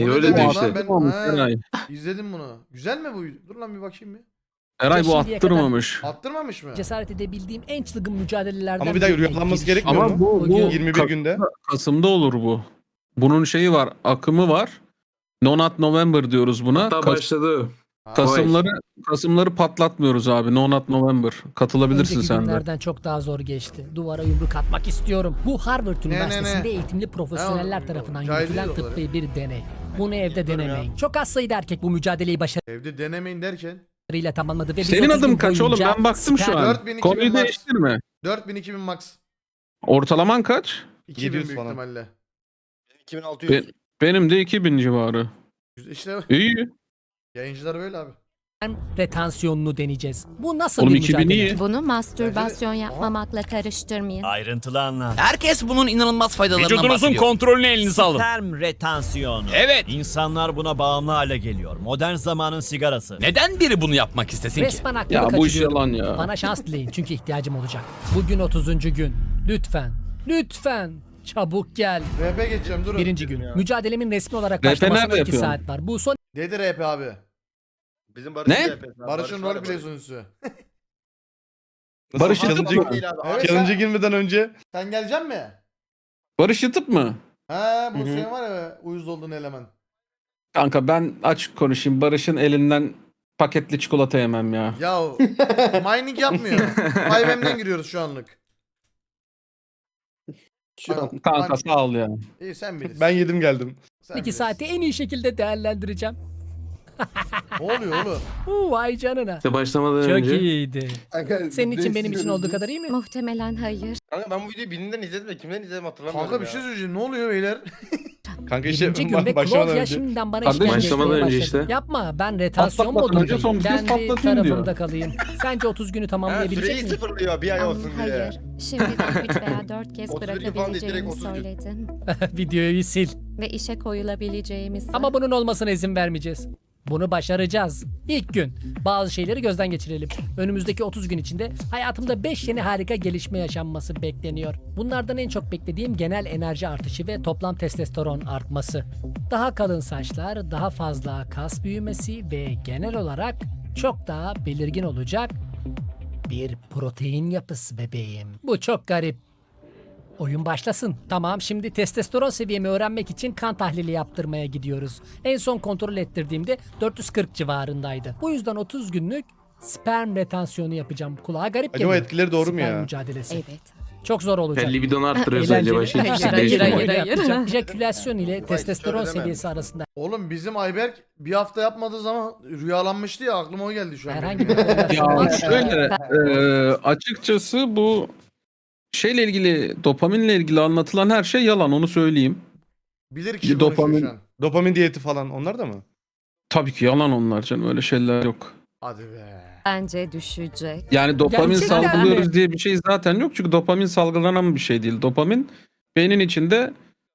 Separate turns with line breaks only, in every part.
Bu ne
Öyle
demek
de
lan?
işte.
Ben
Tamam,
he,
Eray.
izledim bunu. Güzel mi bu? Dur lan bir bakayım bir.
Eray bu
Şimdiye kadar-
attırmamış.
Attırmamış mı?
Cesaret edebildiğim en çılgın mücadelelerden
Ama bir dakika,
birine
rüyalanması
girişim.
gerekmiyor
Ama
mu?
bu
Bugün
21 günde.
Kasım'da olur bu. Bunun şeyi var, akımı var. Nonat November diyoruz buna.
Hatta başladı.
Ha,
Kasımları patlatmıyoruz abi. Nonat November. Katılabilirsin
önceki
sen de.
günlerden çok daha zor geçti. Duvara yumruk atmak istiyorum. Bu Harvard Üniversitesi'nde eğitimli profesyoneller
Ne
tarafından
cahil
yürütülen
değil o kadar.
tıbbi bir deney. Bunu evde denemeyin. Çok az sayıda erkek bu mücadeleyi
Evde denemeyin derken.
başarıyla tamamladı ve biz
Senin
30
adın
gün
kaç oğlum?
boyunca
Ben baktım şu an.
4000, 2000
Konuyu
max.
değiştirme.
4000-2000 max.
Ortalaman kaç?
2000
700
büyük
falan.
ihtimalle.
2600.
Benim de 2000 civarı.
İşte
İyi.
yayıncılar böyle abi.
retansiyonunu deneyeceğiz. Bu nasıl
Oğlum
bir
2000
mücadele?
iyi.
Bunu mastürbasyon
Bence de-
yapmamakla karıştırmayın.
Ayrıntılı anlat.
Herkes bunun inanılmaz faydalarından
Vücudunuzun
bahsediyor.
kontrolünü elinize alın.
Term retansiyonu.
Evet.
İnsanlar buna bağımlı hale geliyor. Modern zamanın sigarası. Neden biri bunu yapmak istesin ki?
Resmen aklımı
Ya bu iş
kaçırıyorum.
yalan ya.
Bana şans dileyin çünkü ihtiyacım olacak. Bugün 30. gün. Lütfen. Lütfen. Çabuk gel.
RP geçeceğim durun.
Birinci gün. Mücadelemin resmi olarak
RP
başlamasına
nerede
2
yapıyorsun?
saat var. Bu son
Dedi RP abi.
Bizim Barış'ın
Ne?
CHP'si abi.
Barış'ın
var ya,
roleplay
Barış.
sunucusu.
Barış
Challenge-
yatıp mı?
Değil abi.
Evet.
Challenge'a girmeden önce
Sen geleceksin mi?
Barış yatıp mı?
He bu
Hı hı.
senin var ya uyuz olduğun eleman.
Kanka ben açık konuşayım. Barış'ın elinden paketli çikolata yemem ya.
Ya mining yapmıyor. 5M'den giriyoruz şu anlık.
Şu an.
Kanka sağ ol ya.
İyi sen bilirsin.
ben yedim geldim.
Sen
2
bilirsin.
saati en iyi şekilde değerlendireceğim.
Ne oluyor oğlum?
Vay canına.
İşte başlamadan
Çok
önce.
iyiydi. Senin için benim için olduğu kadar iyi mi?
Muhtemelen hayır.
Kanka ben bu videoyu birinden izledim de kimden izledim hatırlamıyorum
Kanka bir
ya.
şey söyleyeceğim. Ne oluyor beyler?
Kanka işte
Birinci gün ve
başlamadan
Claudia
önce.
şimdiden bana
Kardeşim,
işkence
başlamadan
etmeye
önce
başladı.
işte.
Yapma ben retasyon
Patlatmadan önce
modundayım.
son bir kez
Kendi
patlatayım diyor.
tarafımda kalayım. Sence 30 günü
Ha,
tamamlayabilecek
süreyi
miyim?
sıfırlıyor bir ay olsun diye.
Hayır. Şimdiden 3 veya 4 kez
30 gün falan değil, direkt
bırakabileceğimi
30 gün.
söyledin.
Videoyu sil.
Ve işe koyulabileceğimizi.
Ama bunun olmasına izin vermeyeceğiz. Bunu başaracağız. İlk gün. Bazı şeyleri gözden geçirelim. Önümüzdeki 30 gün içinde hayatımda 5 yeni harika gelişme yaşanması bekleniyor. Bunlardan en çok beklediğim genel enerji artışı ve toplam testosteron artması. Daha kalın saçlar, daha fazla kas büyümesi ve genel olarak çok daha belirgin olacak bir protein yapısı bebeğim. Bu çok garip. Oyun başlasın. Tamam, şimdi testosteron seviyemi öğrenmek için kan tahlili yaptırmaya gidiyoruz. En son kontrol ettirdiğimde 440 civarındaydı. Bu yüzden 30 günlük sperm retansiyonu yapacağım. Kulağa garip
Acaba
geliyor.
etkileri doğru mu
Sperm
ya?
mücadelesi.
Evet.
Çok zor olacak.
Sen libidonu arttırıyorsun
Eğlenceli.
acaba şey.
Hayır,
Hayır,
hayır,
oyunu
hayır.
yapacağım. Ejakülasyon ile
Vay,
testosteron
hiç öyle
seviyesi arasında
Oğlum bizim Ayberk bir hafta yapmadığı zaman rüyalanmıştı ya aklıma o geldi şu an.
herhangi bir korelasyon var
Ya
mı?
şöyle açıkçası bu şeyle ilgili dopaminle ilgili anlatılan her şey yalan onu söyleyeyim.
Bilir kişi
Dopamin-
konuşuyor şu an.
Dopamin diyeti falan onlar da mı?
Tabii ki yalan onlar canım öyle şeyler yok.
Hadi be.
Bence düşecek.
Yani dopamin
Gerçekten
salgılıyoruz
mi?
diye bir şey zaten yok. Çünkü dopamin salgılanan bir şey değil. Dopamin beynin içinde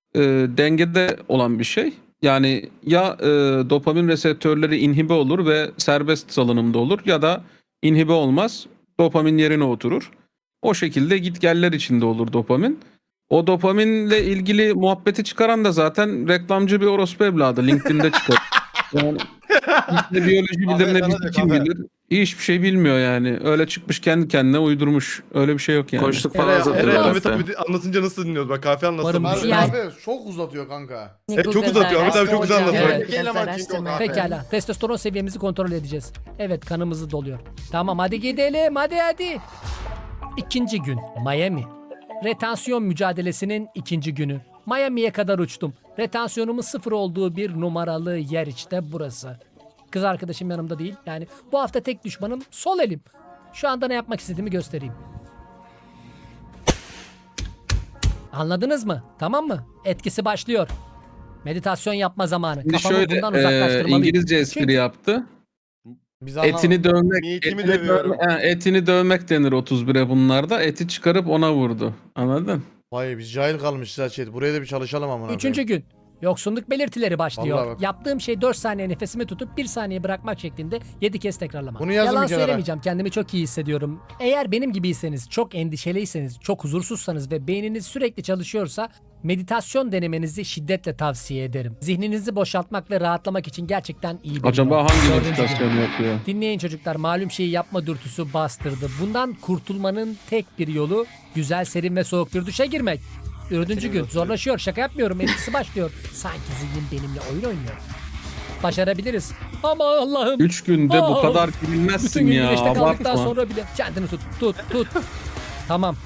dengede olan bir şey. Yani ya dopamin reseptörleri inhibe olur ve serbest salınımda olur ya da inhibe olmaz. Dopamin yerine oturur. O şekilde gitgeller içinde olur dopamin. O dopaminle ilgili muhabbeti çıkaran da zaten reklamcı bir orospu evladı. LinkedIn'de çıkar. Yani ne biyoloji bilir
Kahve
ne
sana
bizi
diyor,
kim
kahve.
bilir. Hiçbir şey bilmiyor yani. Öyle çıkmış kendi kendine uydurmuş. Öyle bir şey yok yani.
Koştuk falan
Eray
satıyorlar
Ahmet
hatta.
abi anlatınca nasıl dinliyoruz? Bak kahve anlatsın.
Umarım
Abi,
bir-
Yani-
abi çok uzatıyor kanka.
Çok uzatıyor. Ahmet abi çok güzel anlatıyor.
Evet.
Araştırma.
Pekala. Testosteron seviyemizi kontrol edeceğiz. Evet, kanımızı doluyor. Tamam, hadi gidelim. Hadi. İkinci gün. Miami. Retansiyon mücadelesinin ikinci günü. Miami'ye kadar uçtum. Retansiyonumun 0 olduğu bir numaralı yer işte burası. Kız arkadaşım yanımda değil. Yani bu hafta tek düşmanım sol elim. Şu anda ne yapmak istediğimi göstereyim. Anladınız mı? Tamam mı? Etkisi başlıyor. Meditasyon yapma zamanı.
Şimdi
Kafamı
şöyle
bundan uzaklaştırmalıyım.
İngilizce espri
Çünkü-
yaptı.
Biz
Etini dövmek,
Niyetimi
etini,
dövüyorum.
etini dövmek denir 31'e bunlarda. Eti çıkarıp ona vurdu. Anladın?
Vay biz cahil kalmışız ha chat. Buraya da bir çalışalım amına koyayım.
Üçüncü gün. Yoksunluk belirtileri başlıyor.
Vallahi bak.
Yaptığım şey 4 saniye nefesimi tutup 1 saniye bırakmak şeklinde 7 kez tekrarlamak.
Bunu yazın
Yalan
bir kenara.
söylemeyeceğim. Kendimi çok iyi hissediyorum. Eğer benim gibiyseniz, çok endişeliyseniz, çok huzursuzsanız ve beyniniz sürekli çalışıyorsa Meditasyon denemenizi şiddetle tavsiye ederim. Zihninizi boşaltmak ve rahatlamak için gerçekten iyi bir
Acaba
yol.
hangi
Dördüncü gün.
meditasyonu yapıyor?
Dinleyin çocuklar, malum şeyi yapma dürtüsü bastırdı. Bundan kurtulmanın tek bir yolu güzel, serin ve soğuk bir duşa girmek. Dördüncü gün zorlaşıyor, şaka yapmıyorum, etkisi başlıyor. Sanki zihnim benimle oyun oynuyor. Başarabiliriz. Ama Allah'ım.
3 günde bu
Aa,
kadar
bütün
girilmezsin
gün
ya.
güneşte kaldıktan
Abartma.
sonra bile kendini tut. Tamam.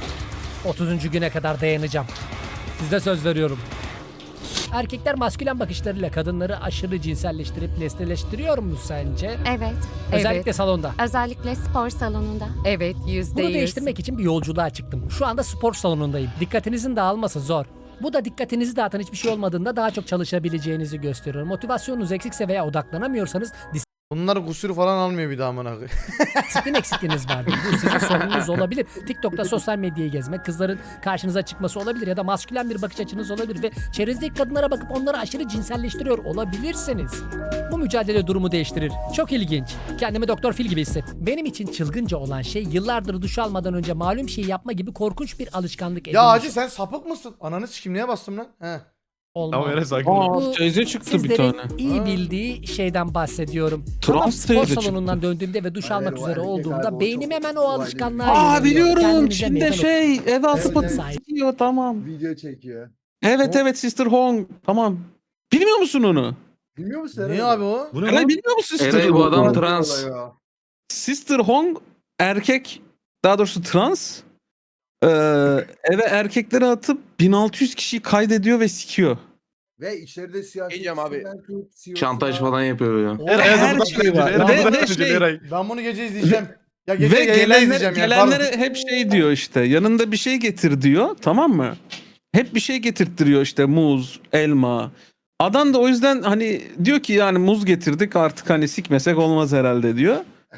30. güne kadar dayanacağım. Size söz veriyorum. Erkekler maskülen bakışlarıyla kadınları aşırı cinselleştirip nesneleştiriyor mu sence?
Evet.
Özellikle
Evet.
salonda.
Özellikle spor salonunda. Evet, %100.
Bunu değiştirmek için bir yolculuğa çıktım. Şu anda spor salonundayım. Dikkatinizin dağılması zor. Bu da dikkatinizi dağıtan hiçbir şey olmadığında daha çok çalışabileceğinizi gösteriyor. Motivasyonunuz eksikse veya odaklanamıyorsanız
Bunlar kusur falan almıyor bir daha amına koyayım.
disiplin eksikliğiniz vardır. Bu sizin sorununuz olabilir. TikTok'ta sosyal medyayı gezmek, kızların karşınıza çıkması olabilir ya da maskülen bir bakış açınız olabilir ve çevrenizdeki kadınlara bakıp onları aşırı cinselleştiriyor olabilirsiniz. Bu mücadele durumu değiştirir. Çok ilginç. Kendimi Doktor Phil gibi hissettim. Benim için çılgınca olan şey yıllardır duş almadan önce malum şeyi yapma gibi korkunç bir alışkanlık
Ya
edinmiş
Hacı sen sapık mısın? Ananı sikim niye bastım lan? He.
olmam.
Tamam Eray sakin ol.
Aa, teyze çıktı bir
Sizlerin
tane.
iyi bildiği şeyden bahsediyorum.
Trans
Tamam, spor
teyze
salonundan
çıktı.
döndüğümde ve duş almak
o
üzere
erkek
olduğumda
abi, o
beynim
çok
hemen o
olaylı.
alışkanlığa
Aa
yöneliyor.
biliyorum.
Kendinize
Çin'de
meydan
şey eve asıp
Sahip.
atıyor tamam.
Video çekiyor.
Evet Sister Hong. Tamam. Bilmiyor musun onu?
Bilmiyor musun Eren?
Niye abi o?
Bu ne
Eray
lan?
bilmiyor musun Sister
Eray bu
Hong'u?
adam
Olay
trans.
ya.
Sister Hong erkek, daha doğrusu trans. Ee, eve erkekleri atıp 1600 kişiyi kaydediyor ve sikiyor.
Ve içeride
Diyeceğim abi.
siyasetçiler
Şantaj falan yapıyor ya.
Eray
Her
buradan
şey
döneceksin,
var.
Eray
Ve-
buradan
ve
döneceksin,
şey-
Eray.
Ben bunu gece izleyeceğim. Ya gece
Ve
yayında izleyeceğim ya. Pardon.
gelenlere hep şey diyor işte. Yanında bir şey getir diyor. Tamam mı? Hep bir şey getirttiriyor işte muz, elma. Adam da o yüzden hani diyor ki yani muz getirdik artık hani sikmesek olmaz herhalde diyor.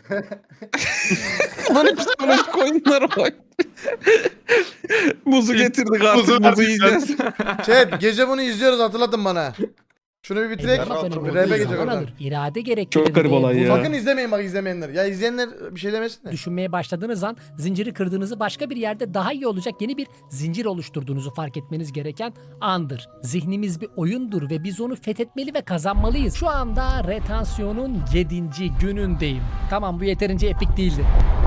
Böyle psikolojik oyunlar var. Muzu getirdik artık
Muzu
muzu
verdik
yiyeceğiz.
Chat gece bunu izliyoruz hatırlatın bana. Şunu bir bitirek.
Rahat
Dönemi
ol,
Bir
olduğu
rebe
Rebe
geçecek
zaman
oradan.
alır. İrade gerektirir.
Çok garip
ve
olay
bunu
ya.
Sakın izlemeyin bak izlemeyenler. Ya izleyenler bir şey demesin de.
düşünmeye başladığınız an zinciri kırdığınızı, başka bir yerde daha iyi olacak yeni bir zincir oluşturduğunuzu fark etmeniz gereken andır. Zihnimiz bir oyundur ve biz onu fethetmeli ve kazanmalıyız. Şu anda retansiyonun 7. günündeyim. Tamam, bu yeterince epik değildi.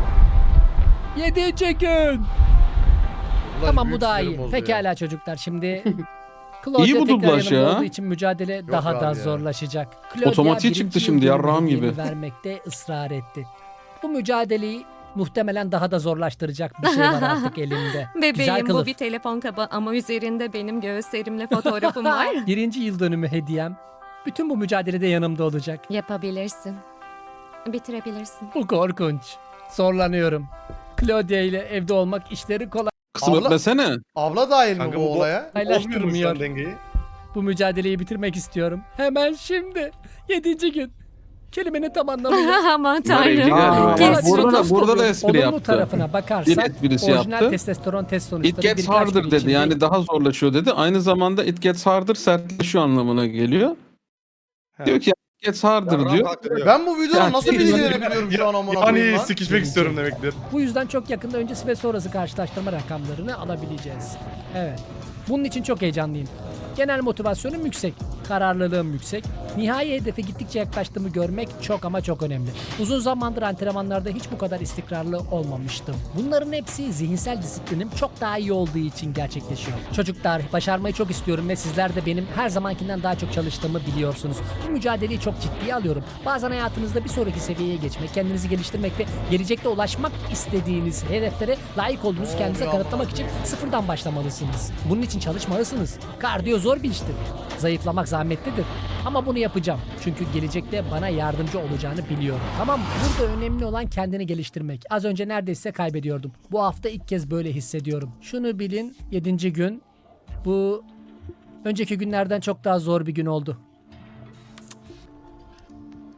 7. gün.
Ulan
Tamam, bu
büyük
daha
sinirim
iyi.
bozdu ya.
Pekala çocuklar, şimdi Claudia
İyi bu
tekrar
dublaj
yanımda
ya.
olduğu için mücadele daha
abi
da
ya.
zorlaşacak. Claudia
Otomatiğe
birinci
çıktı şimdi,
yıl
yarrağım
hediyemi
gibi.
vermekte ısrar etti. Bu mücadeleyi muhtemelen daha da zorlaştıracak bir şey var artık elimde. Güzel
Bebeğim,
kılıf.
bu bir telefon kaba ama üzerinde benim göğüslerimle fotoğrafım var.
Birinci yıl dönümü hediyem. Bütün bu mücadelede yanımda olacak.
Yapabilirsin. Bitirebilirsin.
Bu korkunç. Zorlanıyorum. Claudia ile evde olmak işleri
Kısım
Allah-
öpmesene.
Abla dahil mi
Kanka
bu
bu
olaya?
bozmuyor mu
kolaylaştırmıyor.
sen dengeyi?
Bu mücadeleyi bitirmek istiyorum. Hemen şimdi. 7. gün. Kelimenin tam anlamıyla.
Aman
Bunlar evli
tanrım.
galiba.
Kes
Burada da espri
olumlu
yaptı.
tarafına
Bir
bakarsak
esprisi
orijinal
yaptı.
testosteron test sonuçları
It gets
birkaç
harder
gün
dedi.
içinde
Yani daha zorlaşıyor dedi. Aynı zamanda it gets harder sertleşiyor anlamına geliyor.
He.
Diyor ki it gets harder
Yarrağı
diyor.
kalktırıyor.
Ben bu videonun
Ya,
nasıl
şey-
bilgilerini biliyorum şu an amına koyayım
Yani
lan.
sikişmek istiyorum demektir.
Bu yüzden çok yakında öncesi ve sonrası karşılaştırma rakamlarını alabileceğiz. Evet. Bunun için çok heyecanlıyım. Genel motivasyonum yüksek, kararlılığım yüksek. Nihai hedefe gittikçe yaklaştığımı görmek çok ama çok önemli. Uzun zamandır antrenmanlarda hiç bu kadar istikrarlı olmamıştım. Bunların hepsi zihinsel disiplinim çok daha iyi olduğu için gerçekleşiyor. Çocuklar, başarmayı çok istiyorum ve sizler de benim her zamankinden daha çok çalıştığımı biliyorsunuz. Bu mücadeleyi çok ciddiye alıyorum. Bazen hayatınızda bir sonraki seviyeye geçmek, kendinizi geliştirmek ve gelecekte ulaşmak istediğiniz hedeflere layık olduğunuzu kendinize kanıtlamak için sıfırdan başlamalısınız. Bunun için çalışmalısınız. Kardiyo zor bir iştir. Zayıflamak zahmetlidir. Ama bunu yapacağım. Çünkü gelecekte bana yardımcı olacağını biliyorum. Tamam mı? Burada önemli olan kendini geliştirmek. Az önce neredeyse kaybediyordum. Bu hafta ilk kez böyle hissediyorum. Şunu bilin, 7. gün. Bu önceki günlerden çok daha zor bir gün oldu.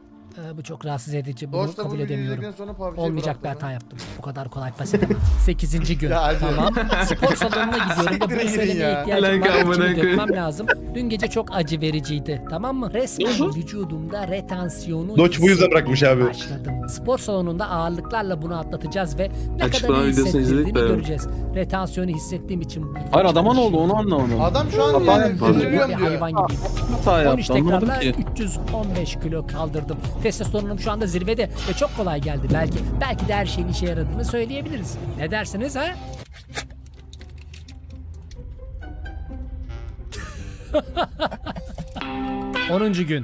Bu çok rahatsız edici. Bunu
Doğuşta bu
kabul
videoyu
edemiyorum.
izledikten sonra PUBG'yi
Olmayacak bir
bıraktı
hata
lan.
yaptım. Bu kadar kolay pes edemem. 8. gün.
Ya hadi.
Tamam. Spor salonuna gidiyorum ve
Siktirin
bunu
gidin
söylemeye
ya.
ihtiyacım
Lan
var.
amına
İçimi
koyayım.
dökmem lazım. Dün gece çok acı vericiydi. Tamam mı? Resmen vücudumda retansiyonu
Doç bu yüzden bırakmış
hissetmeye
abi.
başladım. Spor salonunda ağırlıklarla bunu atlatacağız ve ne
Açıklama
kadar iyi
videosunu izledik
hissettirdiğini
de.
göreceğiz. Retansiyonu hissettiğim için
Hayır adama ne oldu onu anlamadım.
Adam şu an
Tamam,
yani
tamam.
deliriyorum
bir
diyor.
hayvan gibiyim.
Hata
13
yaptı anlamadım
tekrarla
ki.
315 kilo kaldırdım. Testosteronum şu anda zirvede ve çok kolay geldi. Belki de her şeyin işe yaradığını söyleyebiliriz. Ne dersiniz ha? ...10. gün.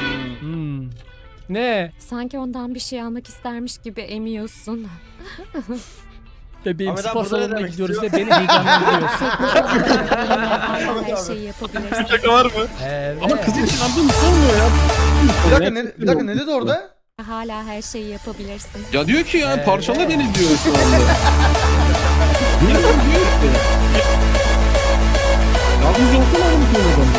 Ne?
Sanki ondan bir şey almak istermiş gibi emiyorsun.
Bebeğim
Ahmet abi
spor
burada ne
salonuna
demek
gidiyoruz ve
istiyor?
beni heyecanlandırıyorsun.
Hala her şeyi yapabilirsin.
Şaka var mı?
Evet.
Ama kızın çıkardığını sormuyor ya.
Bir dakika ne dedi orada?
Hala her şeyi yapabilirsin.
Ya diyor ki ya parçala beni diyor şu anda. Niye diyor ki? Yardımcı olsana mı diyor adam?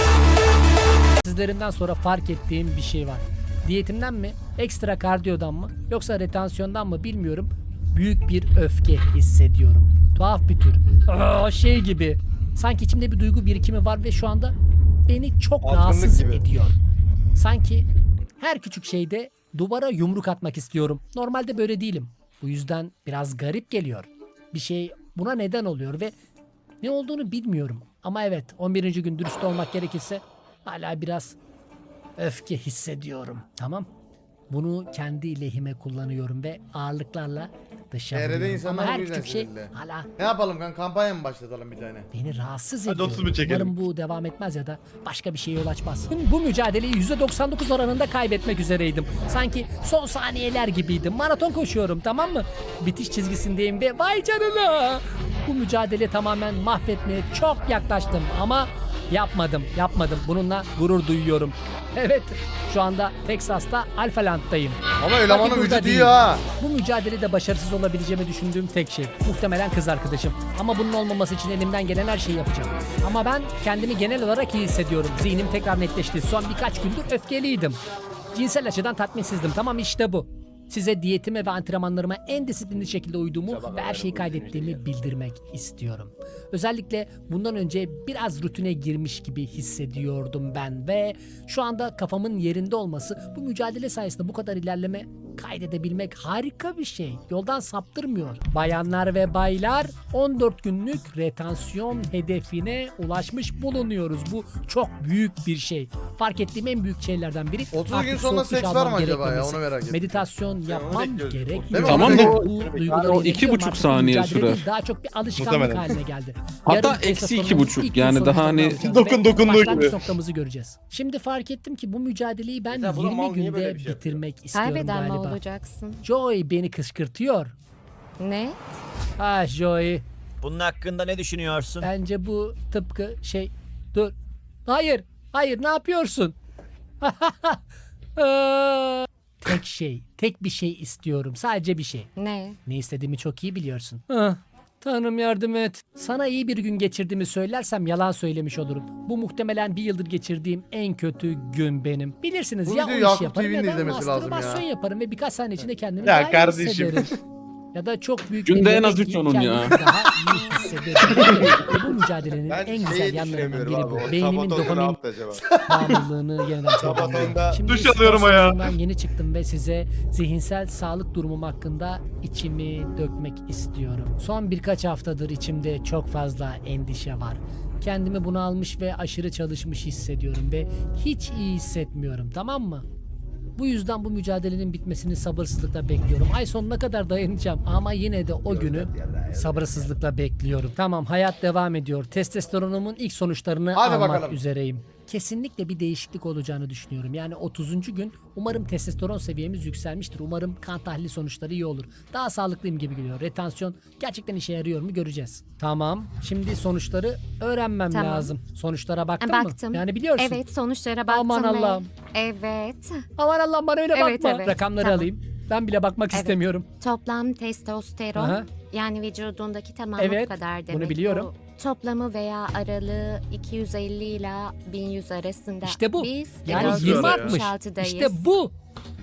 Sizlerimden sonra fark ettiğim bir şey var. Diyetimden mi, ekstra kardiyodan mı, yoksa retansiyondan mı bilmiyorum. Büyük bir öfke hissediyorum. Tuhaf bir tür. Şey gibi. Sanki içimde bir duygu birikimi var ve şu anda beni çok
Azgınlık
rahatsız
gibi.
ediyor. Sanki her küçük şeyde duvara yumruk atmak istiyorum. Normalde böyle değilim. Bu yüzden biraz garip geliyor. Bir şey buna neden oluyor ve ne olduğunu bilmiyorum. Ama evet 11. gün dürüst olmak gerekirse hala biraz öfke hissediyorum. Tamam. Bunu kendi lehime kullanıyorum ve ağırlıklarla dışa
TR'de
vuruyorum.
insanlar
Ama
bu
her
yüzden
küçük şey
sinirli.
hala
Ne yapalım kan kampanya mı başlatalım bir tane?
beni rahatsız
Hadi
ediyor.
30 bin çekelim.
Umarım bu devam etmez ya da başka bir şeye yol açmaz. Bu mücadeleyi %99 oranında kaybetmek üzereydim. Sanki son saniyeler gibiydim. Maraton koşuyorum tamam mı? Bitiş çizgisindeyim ve vay canına. Bu mücadele tamamen mahvetmeye çok yaklaştım ama yapmadım. Bununla gurur duyuyorum. Evet şu anda Texas'ta Alphaland'dayım.
Ama elemanın
Bakın burada
vücudu iyi
değilim.
ha.
Bu mücadelede başarısız olabileceğimi düşündüğüm tek şey muhtemelen kız arkadaşım. Ama bunun olmaması için elimden gelen her şeyi yapacağım. Ama ben kendimi genel olarak iyi hissediyorum. Zihnim tekrar netleşti. Son birkaç gündür öfkeliydim. Cinsel açıdan tatminsizdim. Tamam işte bu. Size diyetime ve antrenmanlarıma en disiplinli şekilde uyduğumu ve her şeyi kaydettiğimi bildirmek istiyorum. Özellikle bundan önce biraz rutine girmiş gibi hissediyordum ben ve şu anda kafamın yerinde olması bu mücadele sayesinde bu kadar ilerleme kaydedebilmek harika bir şey. Yoldan saptırmıyor. Bayanlar ve baylar 14 günlük retansiyon hedefine ulaşmış bulunuyoruz. Bu çok büyük bir şey. Fark ettiğim en büyük şeylerden biri
30 gün
artık
sonra
soğuk duş
seks var mı
almam
acaba ya?
gerekmemesi.
Onu merak ettim.
Meditasyon yapmam
bekliyoruz.
gerekmiyor.
Değil mi?
Tamam
Ve
da
bu duyguları
o
yönetiyorum.
2,5
Artık
saniye
mücadele
sürer.
değil, daha çok bir alışkanlık
Muhtemelen.
haline geldi.
Hatta
Yarın
eksi
testosteronun
2,5
ilk gün
yani daha
sonuçlarını
hani
alacağız
dokunduğu
ve başlangıç
gibi.
noktamızı göreceğiz. Şimdi fark ettim ki bu mücadeleyi ben
Mesela bu da
20
mal niye böyle
günde
bir şey yapıyor?
bitirmek istiyorum
Kaybeden mi
galiba.
olacaksın?
Joey beni kışkırtıyor.
Ne?
Ah Joey.
Bunun hakkında ne düşünüyorsun?
Bence bu tıpkı şey... Dur. Hayır ne yapıyorsun? Tek bir şey istiyorum. Sadece bir şey.
Ne?
Ne istediğimi çok iyi biliyorsun. Ah, Tanrım yardım et. Sana iyi bir gün geçirdiğimi söylersem yalan söylemiş olurum. Bu muhtemelen bir yıldır geçirdiğim en kötü gün benim. Bilirsiniz
Bu
ya o
videoyu
işi
Yakup
yaparım
TV'nin
ya da
izlemesi lazım
mastürbasyon
ya.
yaparım ve birkaç saniye içinde kendimi
Ya
daha iyi
kardeşim.
hissederim. Ya da çok büyük
Günde
bir
en
yemek
az üç
yiyip
onun
kendimi
ya.
daha iyi hissederim. Ve bu mücadelenin
Ben
en güzel
şeyi
yanlarından
düşünemiyorum
biri
abi.
bu.
O
Beynimin
Sabaton'da ne
dopamin
yaptı acaba?
bağımlılığını yeniden
Sabaton'da
programlıyorum. Şimdi
duş
spor
alıyorum ayağa.
salonundan yeni çıktım ve size zihinsel sağlık durumum hakkında içimi dökmek istiyorum. Son birkaç haftadır içimde çok fazla endişe var. Kendimi bunalmış ve aşırı çalışmış hissediyorum ve hiç iyi hissetmiyorum, tamam mı? Bu yüzden bu mücadelenin bitmesini sabırsızlıkla bekliyorum. Ay sonuna kadar dayanacağım ama yine de o günü sabırsızlıkla bekliyorum. Tamam, hayat devam ediyor. Testosteronumun ilk sonuçlarını
Hadi
almak
bakalım.
üzereyim. Kesinlikle bir değişiklik olacağını düşünüyorum. Yani 30. gün umarım testosteron seviyemiz yükselmiştir. Umarım kan tahlili sonuçları iyi olur. Daha sağlıklıyım gibi geliyor. Retansiyon gerçekten işe yarıyor mu göreceğiz. Tamam. Şimdi sonuçları öğrenmem
Tamam.
lazım. Sonuçlara baktın
Baktım.
mı? Yani biliyorsun.
Evet, sonuçlara baktım
Aman
ve-
Allah'ım.
Evet.
Aman Allah'ım bana öyle
Evet,
bakma.
evet.
Rakamları
Tamam.
alayım. Ben bile bakmak
Evet.
istemiyorum.
Toplam testosteron
Aha.
yani vücudundaki tamamı
Evet,
kadar
bunu
demek.
biliyorum.
Bu toplamı veya aralığı 250 ile 1100 arasında.
İşte bu.
Biz
Yani
476'dayız.
20 artmış. İşte bu.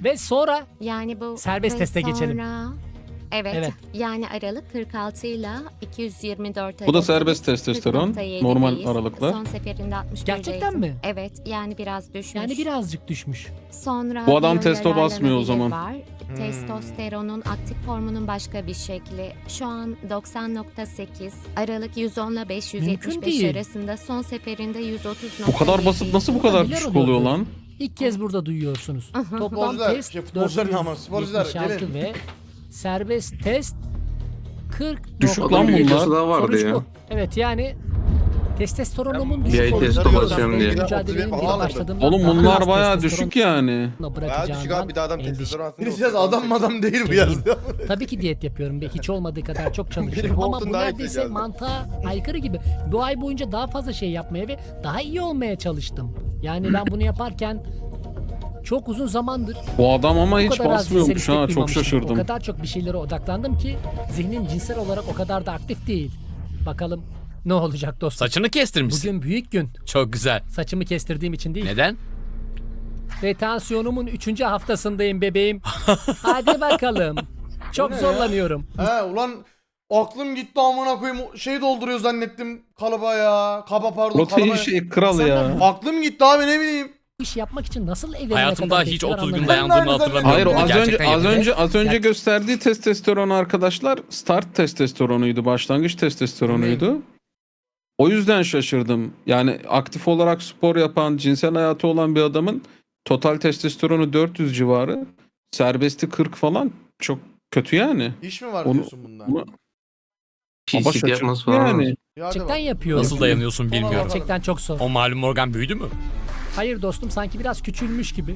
Ve sonra
Yani bu
Serbest
ve
teste geçelim.
sonra- Evet,
Evet.
yani aralık 46 ile 224
Bu da
arası
serbest testosteron,
40.7'deyiz.
normal aralıklar.
Son seferinde 61'deydim.
Gerçekten mi?
Evet, yani biraz düşmüş.
yani birazcık düşmüş.
Sonra
Bu adam
bir
testo
yararlanabilir
basmıyor o zaman.
Var. Testosteronun aktif formunun başka bir şekli. Şu an 90.8, aralık 110 ile 575
Mümkün değil.
arasında, son seferinde 130.7.
Bu kadar basıp nasıl bu kadar
Neler
düşük
oluyordu?
oluyor lan?
İlk kez burada duyuyorsunuz. Toplam
Futbolcular,
test
futbolcular ne ama, sporcular,
476
gelin.
ve serbest test 40.
Düşük lan bunlar.
daha vardı
Sonuç
ya.
bu. Evet yani testosteronumun
Bir
düşük
ay
olduğunu
testo
biliyorum.
basıyorum diye.
Mücadelenin
Oturup
bir
alırdım.
başladığımda
Oğlum
daha
bunlar
az
bayağı
testosteron
düşük yani.
Bayağı düşük
bırakacağından
abi, bir de adam
endişe.
testosteron aslında.
Birisi yaz adam madam değil bu yazdı.
Tabii ki diyet yapıyorum ve hiç olmadığı kadar çok çalışıyorum
Benim
ama
olsun
bu
daha iyi
neredeyse
geldi.
mantığa aykırı gibi. Bu ay boyunca daha fazla şey yapmaya ve daha iyi olmaya çalıştım. Yani ben bunu yaparken çok uzun zamandır
Bu adam ama
bu
hiç
kadar az
basmıyormuş
cinsel
ha,
istek
çok
duymamıştım.
şaşırdım.
O kadar çok bir şeylere odaklandım ki zihnim cinsel olarak o kadar da aktif değil. Bakalım ne olacak dostum.
Saçını kestirmişsin.
Bugün büyük gün.
Çok güzel.
Saçımı kestirdiğim için değil.
Neden?
Ve tansiyonumun 3. haftasındayım bebeğim. Hadi bakalım. Çok
ne ya?
zorlanıyorum.
He ulan aklım gitti amına koyayım şey dolduruyor zannettim kalıba ya. Kaba pardon
Protein
kalıba.
şey kral ya.
Aklım gitti abi ne bileyim.
Bu işi yapmak için nasıl evlenene
Hayatımda
kadar
hiç
bekliyor
30 gün
anlamıyorum.
dayandığımı hatırlamıyorum.
Hayır o
Bunu
az önce
gerçekten yapıyor.
az önce
Gerçek-
gösterdiği testosteron arkadaşlar start testosteronuydu, başlangıç testosteronuydu. O yüzden şaşırdım. Yani aktif olarak spor yapan, cinsel hayatı olan bir adamın total testosteronu 400 civarı, serbesti 40 falan çok kötü yani.
İş mi var
Onu-
diyorsun bunda?
onu- Ama
Pislik
şaşırdım
yapması falan.
yani.
Ya hadi
Gerçekten
bak.
yapıyorum.
Nasıl dayanıyorsun
Ona
bilmiyorum.
bakalım.
Gerçekten çok zor.
O malum organ büyüdü mü?
Hayır dostum sanki biraz küçülmüş gibi.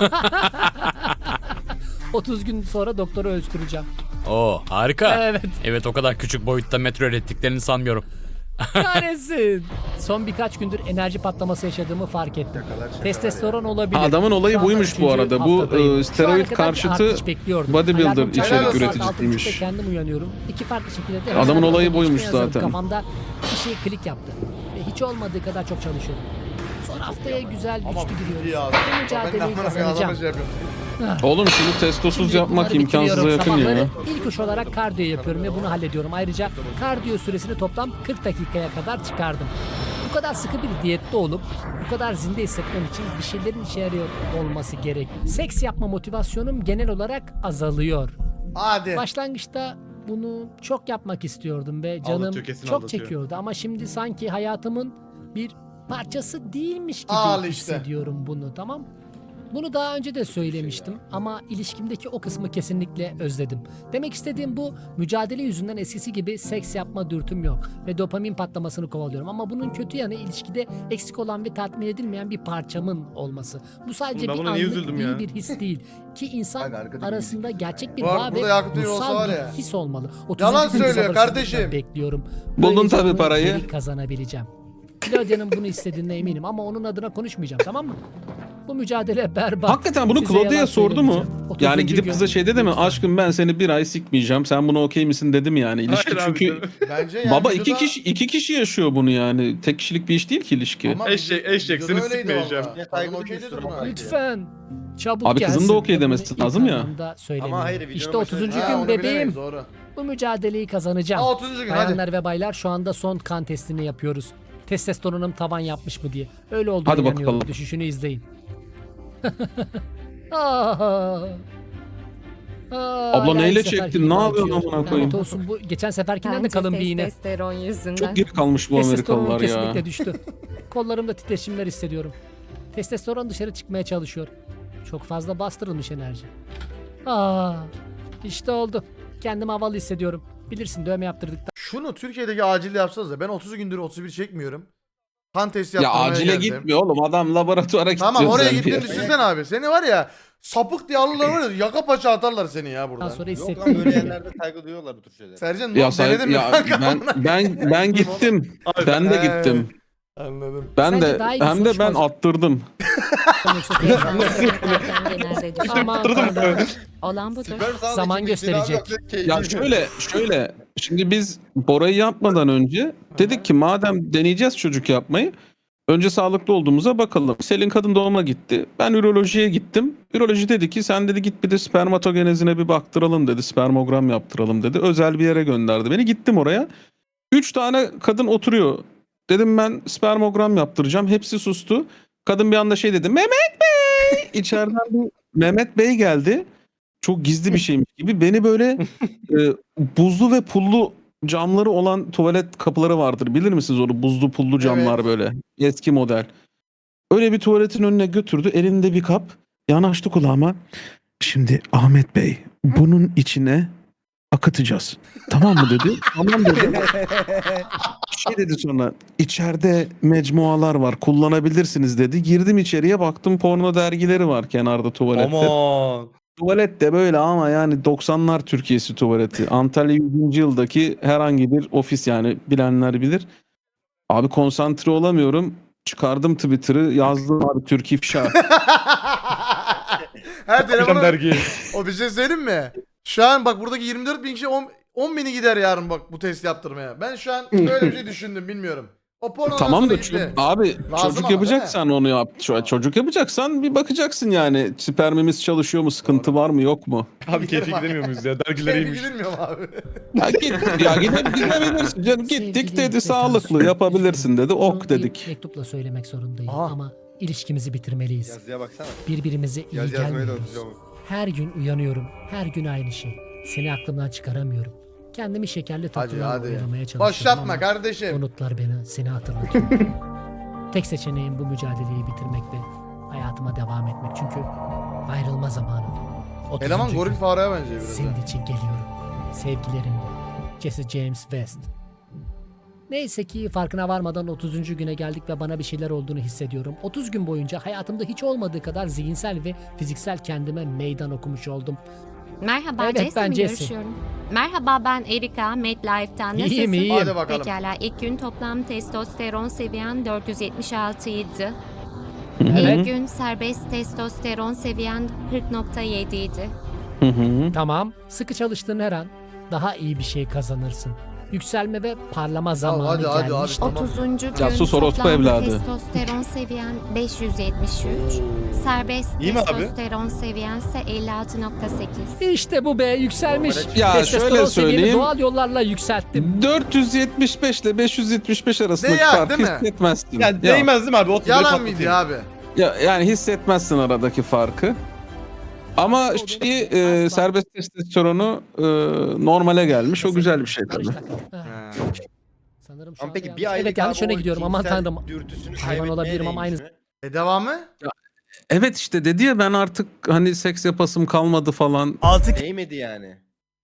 30 gün sonra doktoru ölçtüreceğim.
Oo harika.
Evet.
Evet o kadar küçük boyutta metro ürettiklerini sanmıyorum.
Kahretsin. Son birkaç gündür enerji patlaması yaşadığımı fark ettim. Testosteron olabilir.
Adamın olayı
Şu anda
buymuş bu
3.
arada. Bu,
haftadayım.
steroid
Şu ana kadar bir
karşıtı
artış bekliyordum.
bodybuilder
Hayatım
içerik
çarşamba saat
üreticisiymiş.
6.30'da kendim uyanıyorum. İki farklı şekilde de
Adamın
her
olayı
gün
buymuş
yazarım.
zaten.
Kafamda bir şey klik yaptı. Ve hiç olmadığı kadar çok çalışıyorum. Son haftaya güzel
Ama
güçlü giriyoruz.
ya.
Bu
Ben de
mücadeleyi
amına koyayım adama
kazanacağım.
şey yapıyorum.
Oğlum şunu testosuz
Şimdi
yapmak
bunları
imkansıza
bitiriyorum.
yakın ya.
Sabahları İlk iş olarak kardiyo yapıyorum ve bunu hallediyorum. Ayrıca kardiyo süresini toplam 40 dakikaya kadar çıkardım. Bu kadar sıkı bir diyette olup bu kadar zinde hissetmem için bir şeylerin işe yarıyor olması gerek. Seks yapma motivasyonum genel olarak azalıyor.
Hadi.
Başlangıçta bunu çok yapmak istiyordum ve canım
Aldatıyor, kesin
çok
aldatıyor.
çekiyordu ama şimdi sanki hayatımın bir parçası değilmiş gibi
Al işte.
hissediyorum bunu, tamam? Bunu daha önce de söylemiştim ama ilişkimdeki o kısmı kesinlikle özledim. Demek istediğim bu, mücadele yüzünden eskisi gibi seks yapma dürtüm yok ve dopamin patlamasını kovalıyorum. Ama bunun kötü yanı ilişkide eksik olan ve tatmin edilmeyen bir parçamın olması. Bu sadece
Oğlum ben
bir
buna niye
anlık
üzüldüm
iyi
ya?
bir his değil ki insan
Bak arkadaki
arasında gerçek bir
Bak,
bağ ve
burada Yakup Bey olsa
ruhsal
var
bir
ya.
his olmalı. 30.
Yalan
gün
söylüyor
sabırsızlıkla
kardeşim.
Bekliyorum.
Buldun
Böylece
tabii
bunu
parayı.
geri kazanabileceğim. Claudia'nın bunu istediğine eminim ama onun adına konuşmayacağım, tamam mı? Bu mücadele berbat.
Hakikaten bunu
Size
Claudia
yalan
sordu mu?
söylemeyeceğim. 30.
Yani gidip
gün-
kıza şey dedi mi? Aşkım ben seni bir ay sikmeyeceğim. Sen buna okey misin dedi mi yani? İlişki
Hayır abi,
çünkü
Bence yani
baba
videoda-
iki kişi yaşıyor bunu yani. Tek kişilik bir iş değil ki ilişki.
Ama
Eşek, eşek,
videoda
seni
öyleydi
sikmeyeceğim.
valla.
Ya
Kadın
saygı
okey dedi
duyuyorsun
buna.
ama.
Lütfen. Çabuk
Abi kızın da
gelsin.
okey
Bunu
demesi
ilk
lazım ya.
anlamda söylemiyorum.
Ama hayır, videonun
İşte 30.
başında-
Ha,
gün
onu
bebeğim.
bilemeyiz, doğru.
Bu mücadeleyi kazanacağım.
Ha 30. gün hadi.
Bayanlar ve baylar şu anda son kan testini yapıyoruz. Testosteronum tavan yapmış mı diye. Öyle olduğunu
Hadi
inanıyorum.
bakalım.
Düşüşünü izleyin. Ah.
Abla neyle
her sefer
çektin?
gibi
Ne yapıyorsun
acıyor.
amına koyayım?
Lanet olsun, bu geçen seferkinden de
Bence
kalın bir iğne.
testosteron yüzünden.
Çok geri kalmış bu
Testosteronum
Amerikalılar
kesinlikle
ya.
düştü. Kollarımda titreşimler hissediyorum. Testosteron dışarı çıkmaya çalışıyor. Çok fazla bastırılmış enerji. İşte oldu. Kendimi havalı hissediyorum. Bilirsin, dövme yaptırdıktan
Şunu Türkiye'deki acil yapsanız da ben 30 gündür 31 çekmiyorum. Kan testi
Ya
yaptırmaya
acile
geldim.
gitmiyor oğlum. Adam laboratuvara gidiyor.
Tamam oraya
sen
gittin
diye.
düşünsene abi. Seni var ya sapık diye alırlar var ya yaka paça atarlar seni ya burada.
sonra
Yok lan
hissettim.
böyle yerlerde saygı duyuyorlar bu tür şeylere.
Sercan
Ya,
denedin mi
ya
kanka?
ben gittim. Ben de gittim.
Anladım.
Ben
Sence
de
daha iyi bir
hem de
sonuç
ben
mu olacak?
attırdım.
Genelde düşün.
Aman tanrım.
Olan budur.
Sperm sağlığı
Zaman
için
gösterecek.
bir silah yok,
Ya şöyle şimdi biz Bora'yı yapmadan önce dedik ki madem deneyeceğiz çocuk yapmayı önce sağlıklı olduğumuza bakalım. Selin kadın doğuma gitti. Ben ürolojiye gittim. Üroloji dedi ki sen dedi git bir de spermatogenezine bir baktıralım dedi. Spermogram yaptıralım dedi. Özel bir yere gönderdi beni. Gittim oraya. 3 tane kadın oturuyor. Dedim ben spermogram yaptıracağım. Hepsi sustu. Kadın bir anda şey dedi. Mehmet Bey! İçeriden bir Mehmet Bey geldi. Çok gizli bir şeymiş gibi. Beni böyle buzlu ve pullu camları olan tuvalet kapıları vardır. Bilir misiniz onu? Buzlu pullu camlar
Evet.
böyle. Eski model. Öyle bir tuvaletin önüne götürdü. Elinde bir kap. Yanaştı kulağıma. Şimdi Ahmet Bey bunun içine akıtacağız. Tamam mı dedi. Tamam dedi. Şey dedi sonra içeride mecmualar var kullanabilirsiniz dedi. Girdim içeriye baktım porno dergileri var kenarda tuvalette.
Aman.
Tuvalet de böyle ama yani 90'lar Türkiye'si tuvaleti. Antalya 100. yıldaki herhangi bir ofis yani bilenler bilir. Abi konsantre olamıyorum. Çıkardım Twitter'ı yazdım abi Türk ifşa.
Her
Hocam
telefonu
dergi.
o bir şey söyleyeyim mi? Şu an bak buradaki 24 bin kişi 10 bini gider yarın bak bu test yaptırmaya. Ben şu an böyle bir şey düşündüm bilmiyorum. O porno
Tamam da
gitti.
abi
Lazım
çocuk
ama,
yapacaksan onu yap. Çocuk yapacaksan bir bakacaksın yani spermimiz çalışıyor mu, sıkıntı var mı, yok mu?
Abi keyfi gidemiyor muyuz ya? Dergiler
Keyfi
iyiymiş.
gidilmiyor mu abi?
Ya git ya gidebilirsin canım gittik
Sevgili
dedi
ve
sağlıklı
tansiyon.
yapabilirsin dedi
Bunu
ok
bir
dedik.
mektupla söylemek zorundayım
Aha.
ama ilişkimizi bitirmeliyiz.
Yazıya baksana.
Birbirimize iyi
Yazmayı da
gelmiyoruz.
unutacağım.
Her gün uyanıyorum. Her gün aynı şey. Seni aklımdan çıkaramıyorum. Kendimi şekerli tatlılarla
hadi.
oyalamaya çalışıyorum
Başlatma
ama
kardeşim.
o notlar beni seni hatırlatıyor. Tek seçeneğim bu mücadeleyi bitirmek ve hayatıma devam etmek. Çünkü ayrılma zamanı. 30.
Eleman
gün.
goril fareye benziyor biraz.
Senin için geliyorum. Sevgilerimle. Jesse James West. Neyse ki farkına varmadan 30. güne geldik ve bana bir şeyler olduğunu hissediyorum. 30 gün boyunca hayatımda hiç olmadığı kadar zihinsel ve fiziksel kendime meydan okumuş oldum.
Merhaba
Evet,
Jesse
ben
mi
Jesse.
görüşüyorum? Merhaba ben Erika MedLife'tan. Nasılsın?
İyiyim, iyiyim.
Hadi bakalım.
Pekala ilk gün toplam testosteron seviyen 476 idi.
Evet.
İlk gün serbest testosteron seviyen 40.7 idi.
Hı hı.
Tamam. Sıkı çalıştığın her an daha iyi bir şey kazanırsın. Yükselme ve parlama zamanı
hadi, hadi,
gelmiştir.
Tamam.
30. gün
Casus orospu
toplam
evladı.
testosteron seviyen 573. Serbest
İyi mi abi?
testosteron seviyen ise 56.8.
İşte bu be yükselmiş.
Ya
Testosteron
şöyle
seviyemi
söyleyeyim.
doğal yollarla yükselttim.
475 ile 575 arasındaki
Değer,
farkı
değil mi?
hissetmezsin.
Ya değmez değil mi abi? Ot
Yalan mıydı abi?
Yani hissetmezsin aradaki farkı. Ama şeyi
Asla.
serbest testosteronu normale gelmiş. O güzel bir şey
Barış
tabii.
takım. Ha,
Ha.
sanırım şu
Ama
anda
peki
yanlış.
bir aylık
Evet yanlış
abi
yöne
o
gidiyorum aman
cinsel
tanrım.
dürtüsünü
Hayvan
kaybetmeye
olabilirim ama
değmiş
aynı-
mi?
Devamı?
Evet işte dedi ya ben artık hani seks yapasım kalmadı falan.
6
Değmedi yani.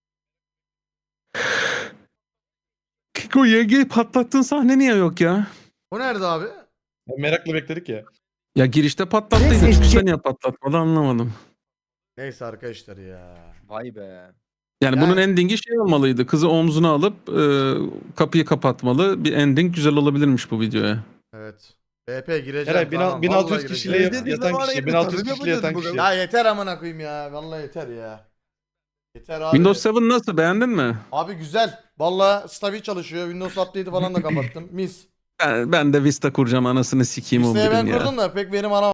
Kiko YG'yi patlattığın sahne niye yok ya?
O nerede abi?
Merakla bekledik ya.
Ya girişte patlattıydı. Çıkışta niye patlatmadı anlamadım.
Neyse arkadaşlar ya.
Vay be.
Yani bunun endingi şey olmalıydı. Kızı omzuna alıp kapıyı kapatmalı. Bir ending güzel olabilirmiş bu videoya.
Evet. BP gireceğim.
Herhalde
tamam,
1600
vallahi
kişiyle
gireceğim.
yatan kişi. 1600 kişiyle yatan kişi.
Ya yeter amına koyayım ya. Vallahi yeter ya. Yeter abi.
Windows 7 nasıl beğendin mi?
Abi güzel. Vallahi stabil çalışıyor. Windows update'i falan da kapattım. Mis.
Ben de Vista kuracağım anasını sikeyim o
Vista'yı ben
birin ya.
kurdum da pek verim alamadım.